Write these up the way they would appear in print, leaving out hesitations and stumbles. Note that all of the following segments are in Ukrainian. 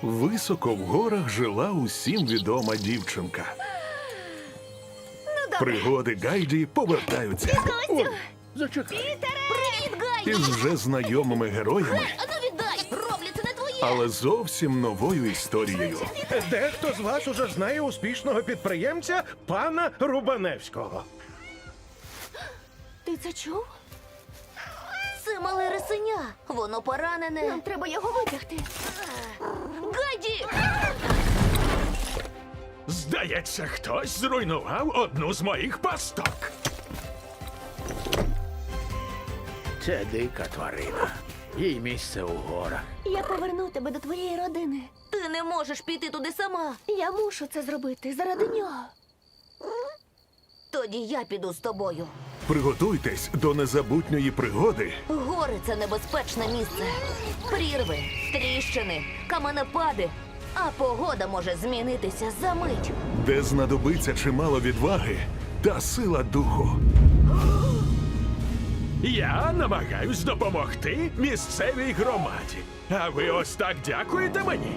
Високо в горах жила усім відома дівчинка. Пригоди Гайді повертаються Костю! Зачекай. Привіт, Гайді! із вже знайомими героями, Ану віддай! Роблю, це не твоє! але зовсім новою історією. Дехто з вас уже знає успішного підприємця пана Рубаневського. Ти це чув? Це мале рисеня. Воно поранене. Нам треба його витягти. Гайді! Здається, хтось зруйнував одну з моїх пасток. Це дика тварина. Їй місце у горах. Я поверну тебе до твоєї родини. Ти не можеш піти туди сама. Я мушу це зробити заради нього. Тоді я піду з тобою. Приготуйтесь до незабутньої пригоди, Гори – це небезпечне місце. Прірви, тріщини, каменепади. А погода може змінитися за мить. де знадобиться чимало відваги та сила духу. Я намагаюсь допомогти місцевій громаді. А ви ось так дякуєте мені?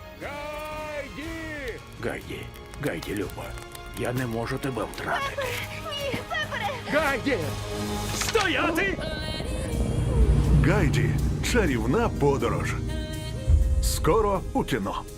Гайді, Люба, я не можу тебе втратити. Ні, Пепере! Гайді! Стояти! Гайді. Чарівна подорож. Скоро у кіно.